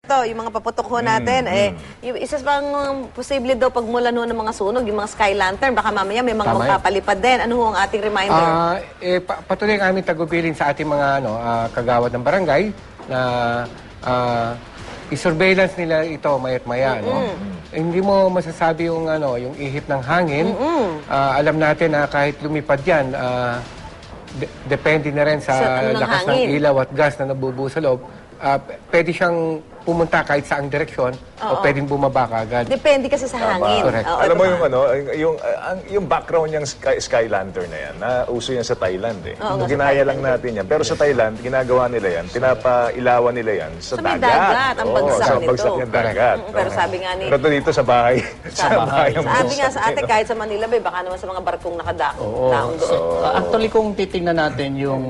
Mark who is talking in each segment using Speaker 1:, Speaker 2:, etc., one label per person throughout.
Speaker 1: ito, yung mga paputok ho natin, yung isa pang posible daw pagmulan ho ng mga sunog, yung mga sky lantern, baka mamaya may mga magpapalipad din. Ano ho ang ating reminder?
Speaker 2: Patuloy ang aming tagubilin sa ating mga kagawad ng barangay na i-surveillance nila ito mayat maya. Hindi mo masasabi yung ihip ng hangin. Alam natin na kahit lumipad yan, depende na rin sa lakas ng ilaw at gas na nabubuo sa loob. Pwede siyang pumunta kahit saang direksyon o pwedeng bumaba ka agad.
Speaker 1: Depende kasi sa hangin.
Speaker 3: Alam mo yung background niyang sky lantern na yan, uso yan sa Thailand eh. Ginaya lang natin yan. Pero sa Thailand, ginagawa nila yan, pinapailawan nila yan sa dagat.
Speaker 1: dagat, ang bagsak nito.
Speaker 3: Sa bagsak niyang dagat.
Speaker 1: Pero sabi nga ni...
Speaker 3: Pero dito sa bahay.
Speaker 1: Sabi nga sa ate, kahit sa Manila, baka naman sa mga barkong nakadaong doon.
Speaker 4: Actually, kung titingnan natin yung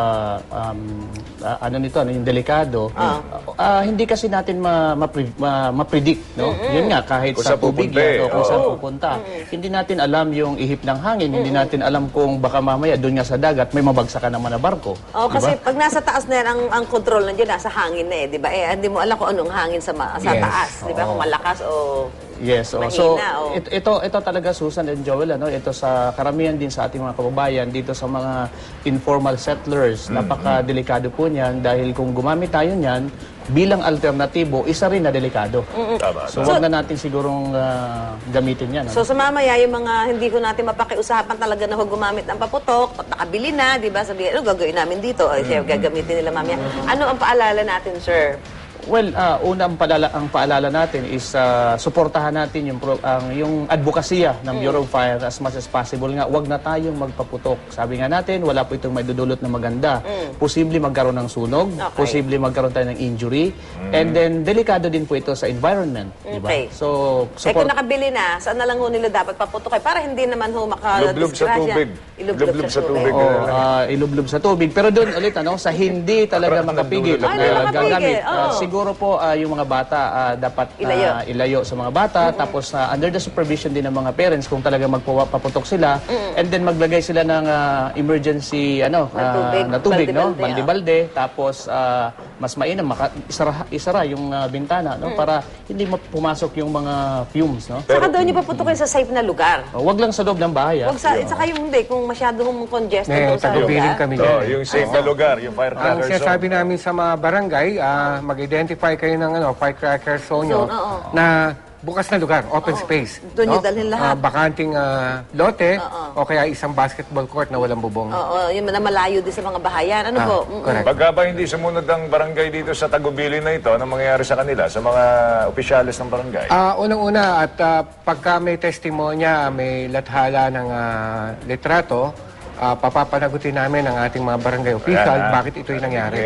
Speaker 4: yung delikado, hindi kasi natin ma-predict, no? Yun nga, kahit sa tubig yan, kung saan pupunta. Hindi natin alam yung ihip ng hangin, hindi natin alam kung baka mamaya doon nga sa dagat may mabagsakan naman na barko.
Speaker 1: Kasi pag nasa taas na yan, ang control nandiyan nasa hangin na di ba? Hindi mo alam kung anong hangin sa taas, di ba? Kung malakas o...
Speaker 4: Yes, so ito talaga, Susan and Joel, ito sa karamihan din sa ating mga kababayan dito sa mga informal settlers, napaka-delikado po niyan dahil kung gumamit tayo niyan bilang alternatibo, isa rin na delikado. So wag na natin sigurong gamitin yan.
Speaker 1: So sa mamaya, yung mga hindi ko natin mapakiusapan talaga na huwag gumamit ng paputok, nakabili na, di ba? Sabihin, gagawin namin dito? Siya, gagamitin nila mamaya. Ano ang paalala natin, sir?
Speaker 4: Well, una ang paalala natin is suportahan natin yung advokasya ng Bureau of Fire as much as possible nga. Huwag na tayong magpaputok. Sabi nga natin, wala po itong may dudulot na maganda. Posible magkaroon ng sunog, posible magkaroon tayo ng injury, and then delikado din po ito sa environment. Diba? So,
Speaker 1: kung nakabili na, saan na lang ho nila dapat paputok para hindi naman ho makadisgrasya?
Speaker 3: Ilublob sa tubig.
Speaker 4: Ilublob sa tubig. Pero doon ulit, sa hindi talaga makapigil gagamit. Siguro po yung mga bata dapat ilayo sa mga bata, tapos under the supervision din ng mga parents kung talaga magpaputok sila, and then maglagay sila ng emergency na tubig, balde-balde, tapos mas mainam isara yung bintana para hindi pumasok yung mga fumes.
Speaker 1: Saka doon yung paputokin sa safe na lugar.
Speaker 4: Wag lang sa loob ng bahay.
Speaker 1: Saka yung hindi, kung masyadong congested doon sa lugar.
Speaker 3: Yung safe na lugar, yung firecracker zone.
Speaker 2: Ang sinasabi namin sa mga barangay, mag-identify kayo ng firecracker zone nyo na bukas na lugar, open space.
Speaker 1: Doon yung dalhin lahat.
Speaker 2: Bakanting lote o kaya isang basketball court na walang bubong.
Speaker 1: Yun na malayo din sa mga bahayan. Ano po?
Speaker 2: Correct.
Speaker 3: Pagka ba hindi sumunod ang barangay dito sa Tagubilin na ito, anong mangyayari sa kanila, sa mga opisyalis ng barangay?
Speaker 2: Unang-una, at pagka may testimonya, may lathala ng litrato, papapanagutin namin ang ating mga barangay official bakit ito'y nangyari.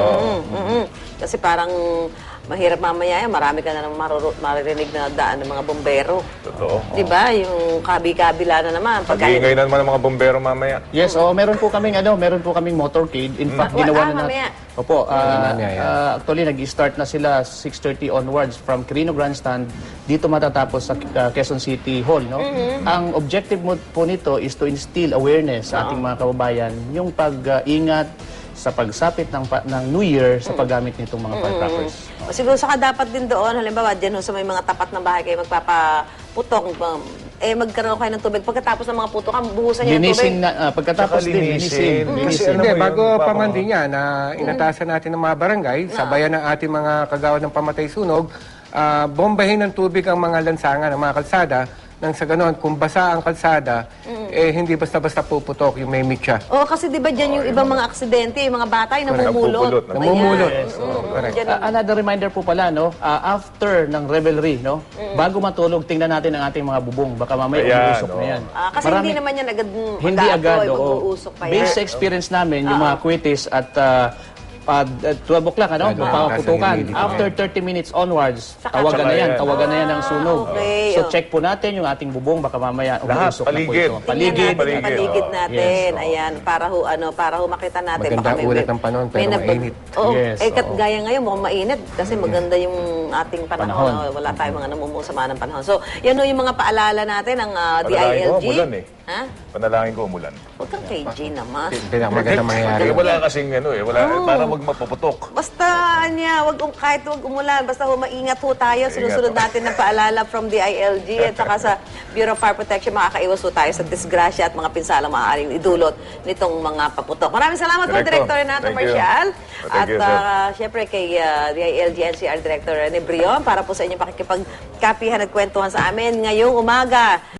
Speaker 1: Kasi parang mahirap mamaya yan, marami ka na naman maririnig na daan ng mga bombero.
Speaker 3: Totoo.
Speaker 1: Diba? Yung kabi-kabila na naman.
Speaker 3: Pag-iingay na naman ng mga bombero mamaya.
Speaker 4: Yes, meron po kaming motorcade. In fact, ginawa na natin. Opo, actually nag-start na sila 6:30 onwards from Quirino Grandstand. Dito matatapos sa Quezon City Hall, no? Ang objective po nito is to instill awareness sa ating mga kababayan, yung pag-ingat sa pagsapit ng New Year sa paggamit nitong mga firecrackers.
Speaker 1: Siguro saka dapat din doon, halimbawa, dyan sa may mga tapat ng bahay kayo magpapaputok, magkaroon kayo ng tubig. Pagkatapos ng mga putok, buhusan niyo ng tubig.
Speaker 4: Pagkatapos din, linisin.
Speaker 2: Hindi, bago pamandi niya na inatasan natin ng mga barangay, sabayan ng ating mga kagawad ng pamatay sunog, bombahin ng tubig ang mga lansangan, ang mga kalsada, nang sa ganon, kung basa ang kalsada, hindi basta-basta puputok yung may mitya.
Speaker 1: Kasi di ba dyan yung ibang mga aksidente, yung mga bata, yung namumulot.
Speaker 2: Namumulot.
Speaker 4: Another reminder po pala, after ng revelry, bago matulog, tingnan natin ang ating mga bubong. Baka mamaya umuusok na yan.
Speaker 1: Kasi hindi naman yan agad
Speaker 4: hindi agad,
Speaker 1: mag-uusok pa yan.
Speaker 4: Based sa experience namin, yung mga kwitis at 12 o'clock, papaputukan. After 30 minutes onwards, tawagan na yan ng sunog. So check po natin yung ating bubong, baka mamaya umuusok na po ito.
Speaker 1: Paligid natin. Ayan, para ho makita natin.
Speaker 2: Maganda ulat ng panahon, pero mainit.
Speaker 1: Gaya ngayon, mukhang mainit kasi maganda yung ating panahon. Wala tayong mga namumungsama ng panahon. So, yan o yung mga paalala natin ng
Speaker 3: Panalangin ko,
Speaker 1: DILG.
Speaker 3: umulan eh.
Speaker 1: Ha?
Speaker 3: Panalangin ko umulan.
Speaker 1: Huwag kang KJ naman.
Speaker 2: Pinakamaganda mangyayari.
Speaker 3: Wala kasing wala, para magmapuputok.
Speaker 1: Basta kahit wag umulan, basta maingat ho tayo. Sinusunod natin ng paalala from DILG at saka sa Bureau of Fire Protection, makakaiwas ho tayo sa disgrasya at mga pinsalang maaaring idulot nitong mga paputok. Maraming salamat po, Director Renato
Speaker 3: Thank you.
Speaker 1: Marcial.
Speaker 3: Thank you, sir.
Speaker 1: At syempre kay DILG NCR Director Rene Brion para po sa inyong pakikipagkapihan at kwentuhan sa amin ngayong umaga.